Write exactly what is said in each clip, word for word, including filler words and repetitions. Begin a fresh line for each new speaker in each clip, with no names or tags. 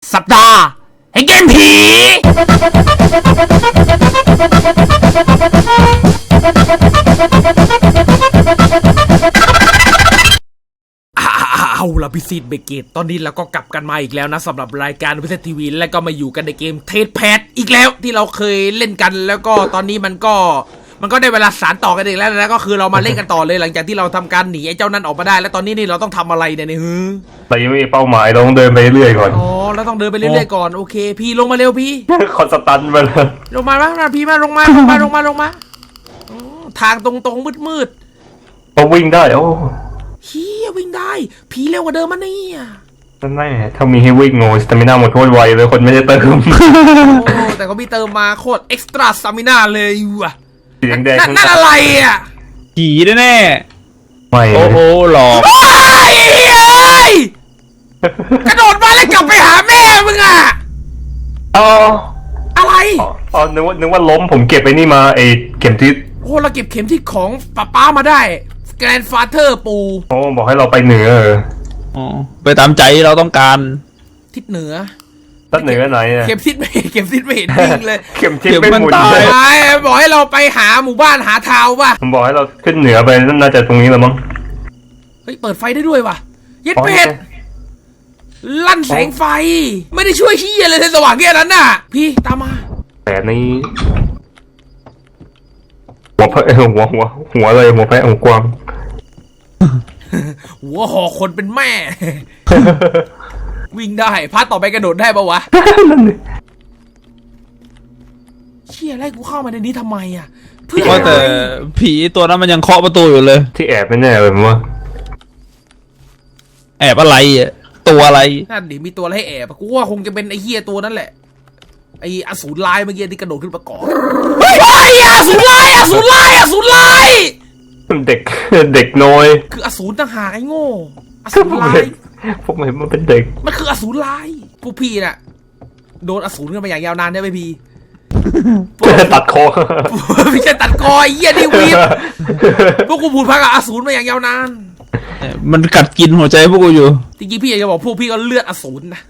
สัปดาห์แห่งเกมผีเอาล่ะพิซิตเบเกตตอนนี้เราก็กลับกันมาอีกแล้วนะสำหรับรายการพิซิตทีวีและก็มาอยู่กันในเกมเทสแพดอีกแล้วที่เราเคยเล่นกันแล้วก็ตอนนี้มันก็มันก็ได้เวลาสานต่อกันอีกแล้วนะก็คือเรามาเล่นกันต่อเลยหลังจากที่เราทำการหนีไอ้เจ้านั่นออกมาได้แล้วตอนนี้นี่เราต้องทำอะไรเนี่ยเนี่ยฮึ
เรายังไม่มีเป้าหมายเราต้องเดินไปเรื่อยก่อน
อ๋อเราต้องเดินไปเรื่อยๆก่อนโอเคพี่ลงมาเร็วพี่
คอนสตันไปเลย
ลงมาบ้างนะพี่มาลงมาลงมาลงมาลงมาทางตรงๆมืด
ๆเราวิ่งได้โอ้
เฮียวิ่งได้ผีเร็วกว่าเดิมมันนี่อ่ะ
นั่นแน่ถ้ามีให้วิ่งโง่สตามิน่าหมดโคตรไวเลยคนไม่ได้เติม
โอ้แต่เขาพี่เติมมาโคตรเอ็กซ์ตร้าสตามิน่าเลยว่ะ
เสียงแดง
นั่นอะไรอ่ะ
ผีแน่
ๆไม่
โอ้โหหลอก
ไอ้เฮ้ยกระโดดมาแล้วกลับไปหาแม่มึงอ่ะ
อ๋อ
อะไร
อ๋อนึกว่านึกว่าล้มผมเก็บไอ้นี่มาไอ้เข็มทิศ
โอ้เราเก็บเข็มทิศของป้าป้ามาได้แกรนด์ฟาเธอร์ปู
โอ้บอกให้เราไปเหนือ
อ๋อไปตามใจเราต้องการ
ทิศเหนือ
ทิศเหนือไหนอ่ะ
เข็มทิศไม่เข็มทิศไม่เห็นจริงเลย
เข็มทิศไม่หมุน
เลยบอกให้เราไปหาหมู่บ้านหาทาวป่ะ
ผมบอกให้เราขึ้นเหนือไปน่าจะตรงนี้แล้วมั้ง
เฮ้ยเปิดไฟได้ด้วยว่ะยึดเป็ดลั่นแสงไฟไม่ได้ช่วยชี้อะไรเลยสว่างแค่นั้นน่ะพี่ตามมา
แต่นี้หัวแพะหัวหัวหัวเลยหัวแพะหัวกวาง
หัวห่อคนเป็นแม่วิ่งได้พาต่อไปกระโดดได้ปะวะเชี่ยไล่กูเข้ามาในนี้ทำไมอ่ะ
เพื่อแต่ผีตัวนั้นมันยังเคาะประตูอยู่เลย
ที่แอบไม่แน่เลยมั้งว่า
แอบอะไรอ่ะตัวอะไร
นั่นดิมีตัวอะไรให้แอบกูว่าคงจะเป็นไอ้เหี้ยตัวนั้นแหละไอ้อสูรลายเมื่อกี้ที่กระโดดขึ้นมาก่อนเฮ้ยไอ้อสูรลายอสูรลายอสูรลาย
เด็กเด็กน้อย
คืออสูรต่างหากไอ้โง่อสูรลาย
ผมเห็นมันเป็นเด็ก
มันคืออสูรลายพวกพี่น่ะโดนอสูรกันมาอย่างยาวนานได้ไหมพี่
ตัดคอ
ไม่ใช่ตัดคอไอ้เหี้ยนี่วีบพวกกูพูดพักกับอสูรมาอย่างยาวนาน
มันกัดกินหัวใจพวกกูอยู่
จริงๆพี่อยากจะบอกพวกพี่ก็เลือดอสูรนะ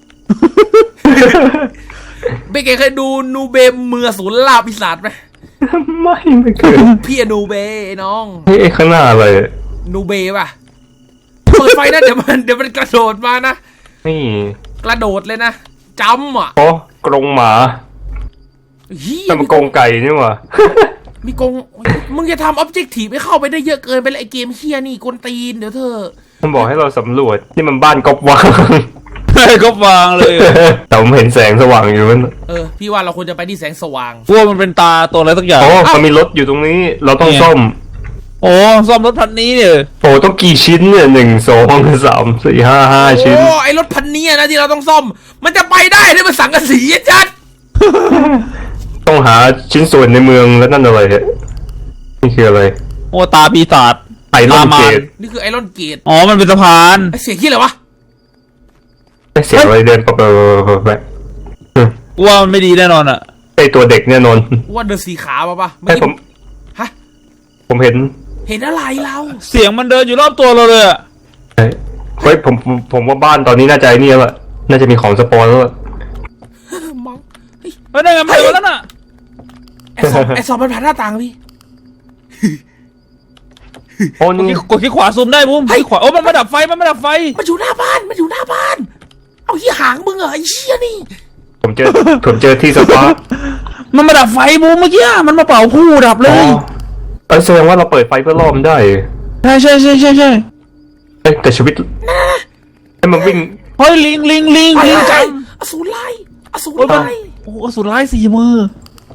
เบเกเคยดูนูเบมเมือสูรลาปีศาจไหม
ไม่ไม่เคย
พี่นูเบน้อง
เฮ้ยข้างหน้าอะไร
นูเบป่ะเปิดไฟนะเดี๋ยวมันเดี๋ยวมันกระโดดมานะ
นี่
กระโดดเลยนะจำอ่ะ
โอ้กรงหมาแต่มันกรงไก่นี่หว่า
มีกรงมึงจะทำออบเจกตีฟไม่เข้าไปได้เยอะเกินไปเลยไอเกมเฮียนี่กวนตีนเดี๋ยวเธอ
มันบอกให้เราสำรวจนี่มันบ้านกบวาง
กบวางเลย
แต่ผมเห็นแสงสว่างอยู่มัน
เออพี่ว่าเราควรจะไปที่แสงสว่าง
พวกมันเป็นตาตัวอะไรสักอย่าง
โอ้มันมีรถอยู่ตรงนี้เราต้องซ่อม
โอ้ซ่อมรถพันนี้เนี่ย
โอ้ต้องกี่ชิ้นเนี่ยหนึ่งสองสามสี่ห้าห้าชิ้น
โอ้ไอรถพันนี้นะที่เราต้องซ่อมมันจะไปได้เนี่ยมันสังกะสีจัด
ต้องหาชิ้นส่วนในเมืองแล้วนั่นอะไรเนี่ยนี่คืออะไร
โอ้ตาปีศาจ
ไอรอนเกต
นี่คือไอรอนเกต
อ๋อมันเป็นสะพาน
เสียงที่อะไรวะ
เสียงอะไรเดินไปไป
ว่ามันไม่ดีแน่นอนอ่ะ
ไอตัวเด็กแน่นอน
ว่าเดินสีขาป่ะป่ะ
ไม่ผม
ฮะ
ผมเห็น
เห็นอะไรเรา
เสียงมันเดินอยู่รอบตัวเราเลยอ่ะ
เฮ้ยผมผมว่าบ้านตอนนี้น่าจะไอ้นี่แล้วน่าจะมีของสปอนแล้ว
มอง
เฮ้ยได้ไงมันเดินแล้วน่ะ
ไอสอบไอสอบมันผ่านหน้าต่างพี่
โอ้นี่กดคลิกขวาซูมได้บุ้มคลิกขวาโอ้มันมาดับไฟมันมาดับไฟ
มันอยู่หน้าบ้านมันอยู่หน้าบ้านเอาที่หางมึงเหรอไอ้เชี่ยนี่
ผมเจอผมเจอที่สปา
มันมาดับไฟบุ้มเมื่อกี้มันมาเป่าผู้ดับเลย
เออแสดงว่าเราเปิดไฟเพื่อล่อมได้
ใช่ใช่ใช่ใช่ใช่
แต่ชีวิตให้มันวิ่ง
เฮ้ยลิงลิงลิงลิงจัง
อสูรไล่อสูรไล่
โอ้อสูรไล่สี่มือ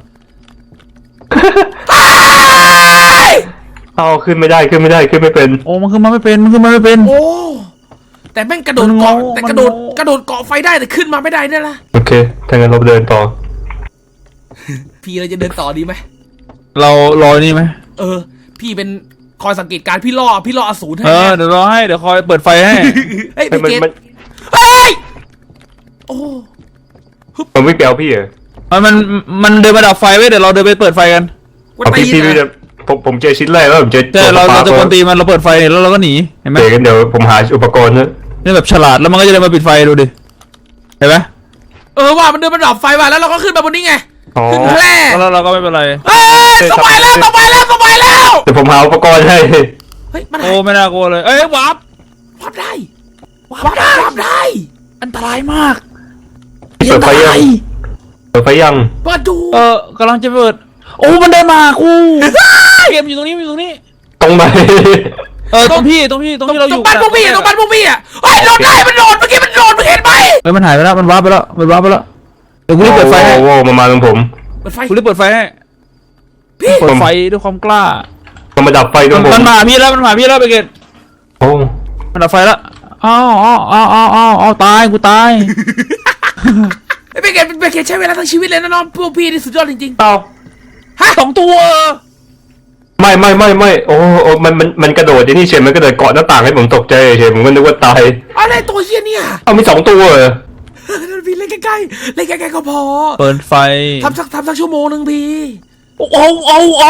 เอาขึ้นไม่ได้ขึ้นไม่ได้ขึ้นไม่เป็น
โอ้มันขึ้นมาไม่เป็นมันขึ้นมาไม่เป็น
โอ้แต่แม่งกระโดดเกาะแต่กระโดดกระโดดเกาะไฟได้แต่ขึ้นมาไม่ได้เนี่ยละ
โอเคถ้างั้นเราเดินต่อ
พี่เราจะเดินต่อดีไหม
เรารอนี่ไหม
เออพี่เป็นคอยสังเกตการพี่ล่อพี่ล่ออสูรให้
เออเดี๋ยวรอให้เดี๋ยวคอยเปิดไฟให้
เฮ้ยพี่เกตเฮ้ยโอ้
มันไม่แปลวพี่เหรอ
มันมันมันเดินมาดับไฟไว้เดี๋ยวเราเดินไปเปิดไฟกัน
พี่พี่ผมผมเจอชิ้นแรกแล้วผมเจอ
เราเราจะกวนตีมันเราเปิดไฟแล้วเราก็หนีเห็นไหม
เดี๋ยวเดี๋ยวผมหาอุปกรณ์นะ
นี่แบบฉลาดแล้วมันก็จะเดินมาปิดไฟดูดิเห็นไหม
เออว่ามันเดินมาดับไฟว่ะแล้วเราก็ขึ้นมาบนนี้ไง
อ๋อ
ขึ้นแพร่
แล้วเราก็ไม่เป็นไร
เฮ้ยสบายแล้วสบายแล้วสบายแล้ว
เดี๋ยวผมหาอุปกรณ์ให้
เฮ้ยมัน
โอ้ไม่น่ากลัวเลยเอ้ยวาร์ป
วับได้วับได้วับได้
อันตรายมาก
เปิดไฟยังเปิดไฟยัง
เปิดดู
เออกำลังจะเปิดโอ้มันเดินมากูเกมอยู่ตรงนี้อยู่ตรงนี้
ตรงไหน
เออตรงพี่ตรงพี่ตรงที่เราอ
ตร
ยู่
งบ้านพวกพี่อะตรงบ้านพวกพี่อะเฮ้ยโดดได้มันโดดเมื่อกี้มันโดดมึงเห็นไหม
เฮ้ยมันหายไปแล้วมันวาร์ปไปแล้วมันวาร์ปไปแล้วเดี๋ยวกูรีบเปิดไฟให้
โอ้โหมามาตรงผม
เปิดไฟ
กูรีบเปิดไฟให้
พี่
เปิดไฟด้วยความกล้า
ต้องมาดับไฟตรงผม
มันมาพี่แล้วมันมาพี่แล้วไปเกต
โอ้
มันดับไฟแล้วอ้าวอ้าวอ้าวอ้าวอ้าวอ้าวตายกูตาย
ไอ้เบเกตเบเกตใช้เวลาทั้งชีวิตเลยนะน้องพวกพี่นี่สุดยอดจริง
เอ้า
ๆฮะ
สองตัว
ไม่ไม่ไม่ไม่โอ้โอ้มันมันมันกระโดดที่นี่เฉยมันกระโดดเกาะหน้าต่างให้ผมตกใจเฉยผมก็นึกว่าตาย
อะไรตัวเฮียเนี่ย
เอามีสองตัวเหรอ
พี่เล่นใกล้ๆเล่นใกล้ๆก็พอ
เปิดไฟ
ทำสักทำสักชั่วโมงหนึ่งพี่
โอ้โอ้โอ้โอ้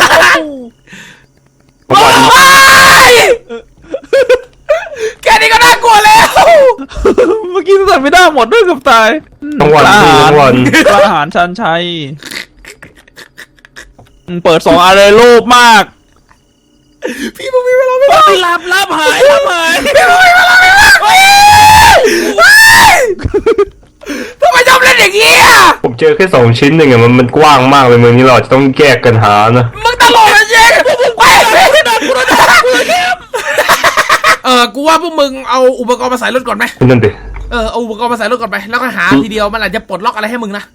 ผมว่า
ว้ายแค่นี้ก็น่ากลัวแล้ว
เมื่อกี้สั่นไม่ได้หมดด้วยกับตาย
ทั้งวัน
อา
พี่
หาร
ทั้งวัน
อาหารชันชัยเปิดสองอันเลยโลภมาก
พี่มึงมีเวลาไม่ได้
หลับหลับหายหลับหาย
พี่มึงมีเวลาไม่ได้เฮ้ยเฮ้ยทำไมชอบเล่นอย่างนี้อ่ะ
ผมเจอแค่สองชิ้นเองอะมันมันกว้างมากเลยเมืองนี้เราอาจจะต้องแยกกันหานะ
มึงตลกนะเจ๊ไปเออกูว่าพวกมึงเอาอุปกรณ์มาใส่รถก่อนไหม
นั่นดิ
เออเอาอุปกรณ์มาใส่รถก่อนไปแล้วก็หาทีเดียวมันอาจจะปลดล็อกอะไรให้มึงนะ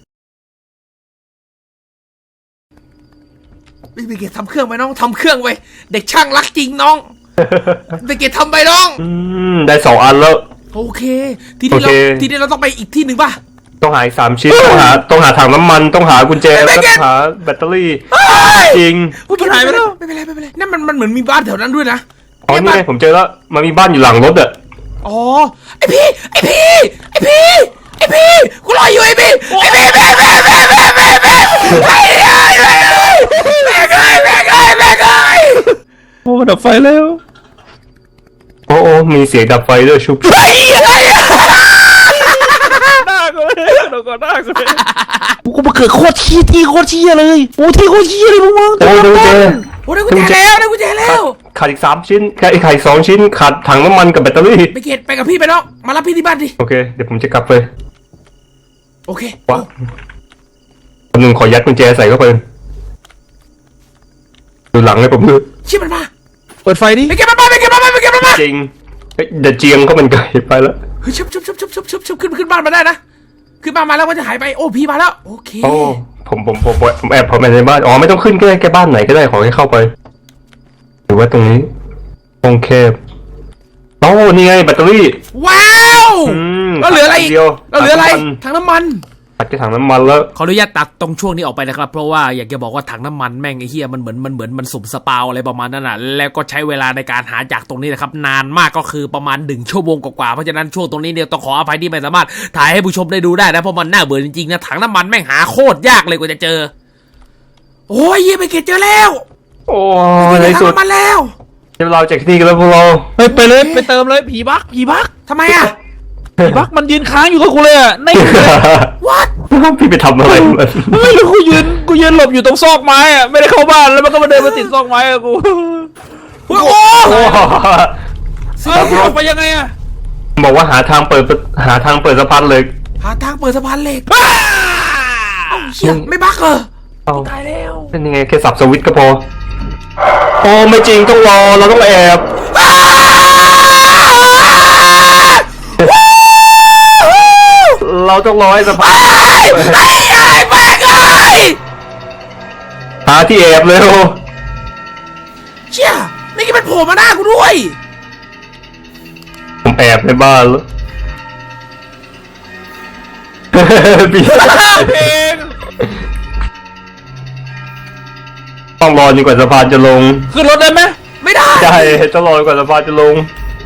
ไปเกตทำเครื่องไปน้องทำเครื่องไปเด็กช่างรักจริงน้องไปเกตทำไปน้อง
อืมได้สองอันแล้ว
โอเคทีนี้เรา
โอเค
ทีนี้เราต้องไปอีกที่หนึ่งป่ะ
ต้องหาอีกสามชิ้นต้องหาต้องหาถังน้ำมันต้องหากุญแจแล้วก็หาแบตเตอรี่ จริง
ไม่เป็นไรไม่เป็นไรไม่เป็นไรนั่นมันมันเหมือนมีบ้านแถวนั้นด้วยนะ
อ๋อนี่ไงผมเจอแล้วมันมีบ้านอยู่หลังรถอะ
อ๋อไอพี่ไอพี่ไอพี่ไอพี่กูรออยู่ไอพี่ไอพี่แม่แม่แม่แม่แม่แม่ไอ้ไอ้แม่แม่ไอ้แม่ไอ้แม่ไอ้
โอ้ดับไฟแล้ว
โอ้โอ้มีเสียงดับไฟด้วยชุบ
ไอ้ไอ้
หน้ากูเลยเดี๋ยวก่อนหน้ากูเลยกูมาเกิดโคตรชี้ที่โคตรชี้เลยโอ้ที่โคตรชี้เลยพวกมึง
โอ้ดูเจ
โอ้ได้กุญแจแล้วได้กุญแจแล้ว
ขาดอีกสามชิ้นแค่อีกขาดอีกสองชิ้นขาดถังน้ำมันกับแบตเตอรี่
ไปเกตไปกับพี่ไปน้องมารับพี่ที่บ้านดิ
โอเคเดี๋ยวผมจะกลับไป
โอเค
ว้าคนหนึ่งขอยัดกุญแจใส่เข้าไปดูหลังให้ผมดู
ชิบมันมา
เปิดไฟดิ
ไปเก็บมันมาไปเก็บมันมาไปเก็บมันมา
จริงเฮ้ยเดี๋ยวเจียงก็มันไกลไปแล้ว
เฮ้ยชุบชุบชุบชุบชุบชุบชุบขึ้นขึ้นบ้านมาได้นะขึ้นบ้านมาแล้วก็จะหายไปโอ้พี่มาแล้วโอเค
โอ้ผมผมผมผมแอบผมแอบในบ้านอ๋อไม่ต้องขึ้นก็ได้แค่บ้านไหนก็ได้ขอให้เข้าไปหรือว่าตรงนี้ตรงแคบโอ้นี่ไงแบตเตอรี่
ว้าว
อืม
แล้วเหลืออะไรอีก
เดียว
แล้วเหลืออะไร
ถังน้ำมัน
ถังน้ำมัน
ตัดแค่ถังน้ำมันแล้ว
ขออนุญาตตัดตรงช่วงนี้ออกไปนะครับเพราะว่าอยากจะบอกว่าถังน้ำมันแม่งไอ้เหี้ยมันเหมือนมันเหมือนมันสุ่มสปาวอะไรประมาณนั้นน่ะแล้วก็ใช้เวลาในการหาจากตรงนี้นะครับนานมากก็คือประมาณหนึ่งชั่วโมงกว่าๆเพราะฉะนั้นช่วงตรงนี้เนี่ยต้องขออภัยที่ไม่สามารถถ่ายให้ผู้ชมได้ดูได้นะเพราะมันน่าเบื่อจริงๆนะถังน้ำมันแม่งหาโคตรยากเลยกว่าจะเจอโอ้ยเหี้ยไปเก็บเจอแล้ว
โอ้
ไป
ใน
เก็บถัง
สุด
น้ำมันแล้ว
เดี๋ยวเราจากที่นี่กันแล้วพวกเรา
เฮ้ยไปเลยไปเติมเลยผีบักผีบัก
ทำไมอ่ะ
ผีบักมันยืนค้างอยู่กับกูเลยอ่ะใน
what
พี่ไปทำอะไรมัน
เฮ้ยแล้วกูยืนกูยืนหลบอยู่ตรงซอกไม้อ่ะไม่ได้เข้าบ้านแล้วมันก็มาเดินมาติดซอกไม้อะกู
โอ้โห
โอ้
เฮ้ยออกไปยังไงอ่ะ
บอกว่าหาทางเปิดหาทางเปิดสะพานเลย
หาทางเปิดสะพานเหล็กเอ้าเชี่ยไม่บักเหรอ
เอา
ตายแล้ว
เป็นยังไงแค่สับสวิตช์ก็พอโอ้ไม่จริงต้องรอเราต้องแอบเราต้องรอให้สะพาน
ไอ้ไอ้แม่งไอ้
หาที่แอบเร็ว
เชี่ยนี่ก็เป็นโผล่มาหน้ากูด้วย
ผมแอบในบ้านแล้วพี่
เพลง
ต้องรอจนกว่าสะพานจะลง
ขึ้นรถได้ไหม
ไม่ได้
ใช่ต้องรอจนกว่าสะพานจะลง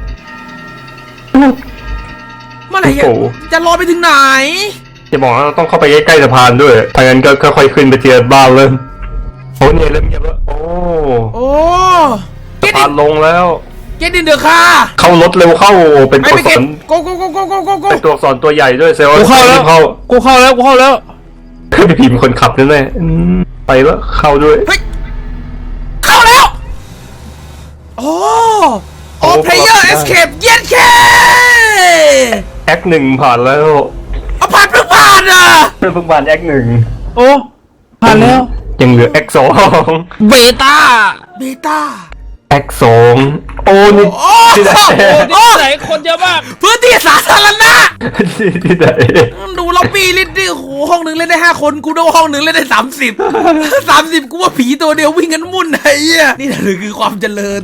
เมื่อไหร่จะ
โอ้โห
จะรอไปถึงไหน
จะบอกว่าเราต้องเข้าไปใกล้ๆสะพานด้วยถ้างั้นก็ค่อยๆขึ้นไปเทียบ้านเลยโอ้เนี่ยเริ่มเงียบแล้วโอ้
โอ้
สะพานลงแล้ว
get in the car
เข้ารถเร็วเข้าเป็น
ไม่
ตัว
ไป
อักษ
เก็บ
ร
go go go go go go go
เป็นตัวอักษรตัวใหญ่ด้วยเซลล์
กูเข้าแล้ว
เข้า
กูเข้าแล้วกูเข้าแล้ว
พี่พีเป็นคนขับนั่นแหละอืมไปแล้วเข้าด้วย
เฮ้ยเข้าแล้วโอ้โอ้ player escape เย็นแค่
แอคหนึ่งผ่านแล้ว
เอาผ่านเพิ่งผ่านอ่ะ
เพิ่งผ่านแอคหนึ่ง
โอ้ผ่านแล้ว
ยังเหลือแอคสอง
เบต้า
เบต้า
แอคสองโอ้นี่
โอ้
ที่ไหน
โอ้ที่ไหนคนเยอะมาก
พื้นที่สาธารณะ
ที่ไหน
ดูล็อบบี้เล่นดิโอ้โหห้องหนึ่งเล่นได้ห้าคนกูดูห้องหนึ่งเล่นได้สามสิบสามสิบกูว่าผีตัวเดียววิ่งกันมุ่นไอ้เหี้ยนี่นะหรือคือความเจริญ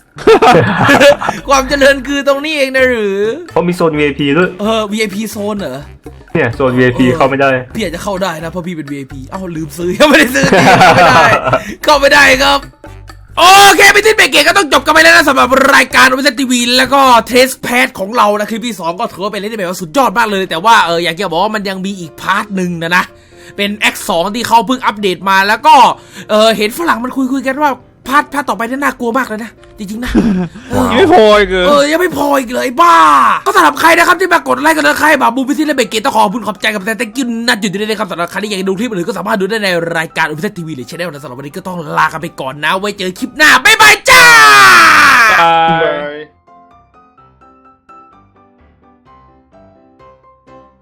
ความเจริญคือตรงนี้เองนะหรือ
เพราะมีโซน วี ไอ พี ด้วย
เออ วี ไอ พี โซนเหรอ
เนี่ยโซน วี ไอ พี เข้าไม่ได้
พี่อาจจะเข้าได้นะเพราะพี่เป็น วี ไอ พี เอ้าลืมซื้อ ยังไม่ได้ซื้อจริงเข้าไม่ได้ เข้าไม่ได้ครับ โอเคไปที่เบรกเกตก็ต้องจบกันไปแล้วนะสำหรับรายการวิทยทีวีแล้วก็เทสแพทของเรานะคลิปที่สองก็ถือว่าเป็นเล่นได้แบบว่าสุดยอดมากเลย แต่ว่าเอออยากจะบอกว่ามันยังมีอีกพาร์ทหนึ่งนะนะเป็น แอค สอง ที่เขาเพิ่งอัปเดตมาแล้วก็เออเห็นฝรั่งมันคุยคุยกันว่าพาร์ทพาร์ทต่อไปนี่น่ากลัวมากเลยนะจริงๆนะเออ
ยังไม่พออีกเหร
เอ
อ
อยังไม่พออีกเลยบ้า ก็สำหรับใครนะครับที่มากดไลค์กันนะใครแบบบูมพิธีและเบรกเกตต้องขอบคุณขอบใจกับแต่แต่กินนัดอยู่ด้วยนะครับสำหรับใครที่อยากจะดูคลิปอื่นก็สามารถดูได้ในรายการอุพิเศษทีวีหรือช่องนะสำหรับวันนี้ก็ต้องลากันไปก่อนนะไว้เจอคลิปหน้าบ๊ายบายจ้า
บาย